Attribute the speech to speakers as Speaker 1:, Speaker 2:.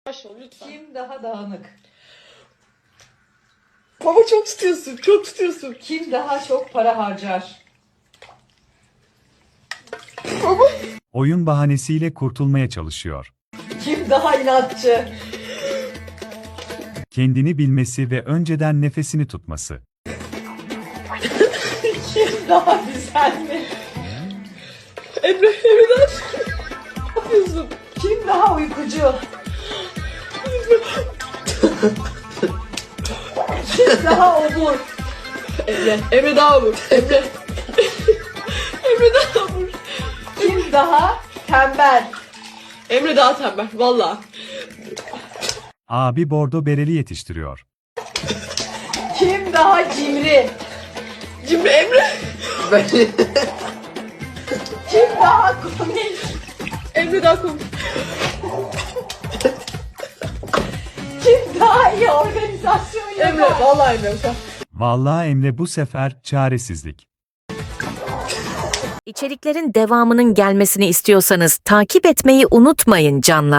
Speaker 1: Yavaş ol lütfen.
Speaker 2: Kim daha dağınık?
Speaker 1: Baba çok tutuyorsun, çok tutuyorsun.
Speaker 2: Kim daha çok para harcar?
Speaker 1: Baba.
Speaker 3: Oyun bahanesiyle kurtulmaya çalışıyor.
Speaker 2: Kim daha inatçı?
Speaker 3: Kendini bilmesi ve önceden nefesini tutması.
Speaker 2: Kim daha düzenli?
Speaker 1: Emre'den ne yapıyorsun?
Speaker 2: Kim daha uykucu? Kim daha obur?
Speaker 1: Emre daha olur. Emre daha olur.
Speaker 2: Kim daha tembel?
Speaker 1: Emre daha tembel, valla.
Speaker 3: Abi bordo bereli yetiştiriyor.
Speaker 2: Kim daha cimri?
Speaker 1: Cimri Emre.
Speaker 2: Kim daha komik?
Speaker 1: Emre daha komik.
Speaker 2: Kim daha iyi organizasyon yapar?
Speaker 1: Emre, valla Emre. Sen.
Speaker 3: Vallahi Emre bu sefer çaresizlik.
Speaker 4: İçeriklerin devamının gelmesini istiyorsanız takip etmeyi unutmayın canlar.